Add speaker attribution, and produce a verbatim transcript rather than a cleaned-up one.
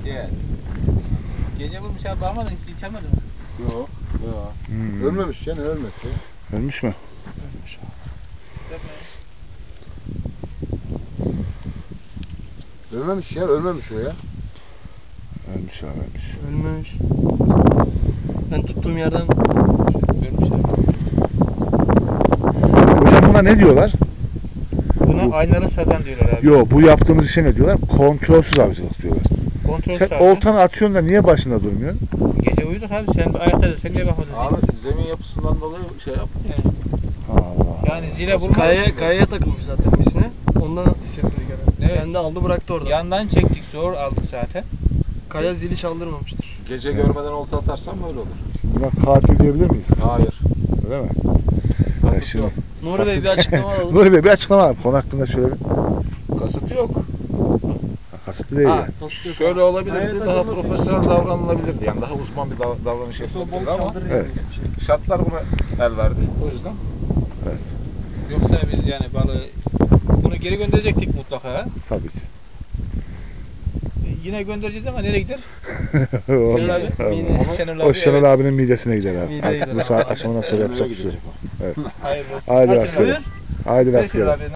Speaker 1: Diğer.
Speaker 2: Gece vurmuş abi bakmadın hiç içemedin mi?
Speaker 1: Yok. Yok.
Speaker 3: Hmm.
Speaker 1: Ölmemiş yani ölmesi.
Speaker 3: Ölmüş mü?
Speaker 2: Ölmüş. Yapmayın.
Speaker 1: Ölmemiş ya ölmemiş o ya.
Speaker 3: Ölmüş abi ölmüş.
Speaker 4: Ölmüş. Ben tuttuğum yerden
Speaker 2: Ölmüş abi.
Speaker 3: Hocam buna ne diyorlar?
Speaker 2: Buna
Speaker 3: Bu-
Speaker 2: aynalı sazan diyorlar abi.
Speaker 3: Yo, bu yaptığımız işe ne diyorlar? Kontrolsüz avcılık diyorlar.
Speaker 2: Kontrol
Speaker 3: Sen
Speaker 2: sağlığı.
Speaker 3: oltanı atıyorsun da niye başında durmuyorsun?
Speaker 2: Gece uyuduk abi sen ayakta sen niye bakmadın?
Speaker 1: Abi zemin yapısından dolayı şey yap.
Speaker 2: Yani,
Speaker 3: Allah.
Speaker 2: yani zile vurma.
Speaker 4: kayaya, kayaya takılmış zaten misine. Ondan hissettirdik herhalde.
Speaker 2: Evet.
Speaker 4: Kendi aldı bıraktı orada.
Speaker 2: Yandan çektik zor aldık zaten.
Speaker 4: Kaya zili çaldırmamıştır.
Speaker 1: Gece görmeden olta atarsan böyle olur.
Speaker 3: Şimdi buna katil diyebilir miyiz?
Speaker 1: Hayır.
Speaker 3: Öyle mi?
Speaker 1: Kasıt
Speaker 3: Ya şimdi-
Speaker 1: yok.
Speaker 4: Nuri Bey bir açıklama alalım.
Speaker 3: Nuri Bey bir açıklama abi. Konu hakkında şöyle bir.
Speaker 1: Kasıt yok.
Speaker 3: Ha, kasıtlı değil
Speaker 1: Ha,
Speaker 3: yani.
Speaker 1: şöyle olabilirdi,
Speaker 4: Hayır,
Speaker 1: daha
Speaker 4: takılmasın.
Speaker 1: profesyonel davranılabilirdi. Yani daha uzman bir dav- davranış yapılabilirdi ama
Speaker 3: Evet.
Speaker 1: şartlar buna el verdi. O yüzden.
Speaker 3: Evet.
Speaker 2: Yoksa biz yani balığı bunu geri gönderecektik mutlaka.
Speaker 3: Tabii ki.
Speaker 2: E, Yine göndereceğiz ama nereye gider?
Speaker 3: Olmaz.
Speaker 2: Şenol abi,
Speaker 3: Olmaz.
Speaker 2: mide- Şenol
Speaker 3: O
Speaker 2: abi,
Speaker 3: Şenol
Speaker 2: evet.
Speaker 3: abinin midesine gider abi.
Speaker 4: Mideye
Speaker 3: Artık
Speaker 4: gider.
Speaker 3: bu saat aşamadan sonra yapacak bir şey yok. Evet.
Speaker 2: Hayırlı olsun.
Speaker 3: Haydi
Speaker 2: Kaçın
Speaker 3: rastgele.
Speaker 2: abi?
Speaker 3: Haydi
Speaker 2: Beş yıl
Speaker 3: rastgele.
Speaker 2: abi.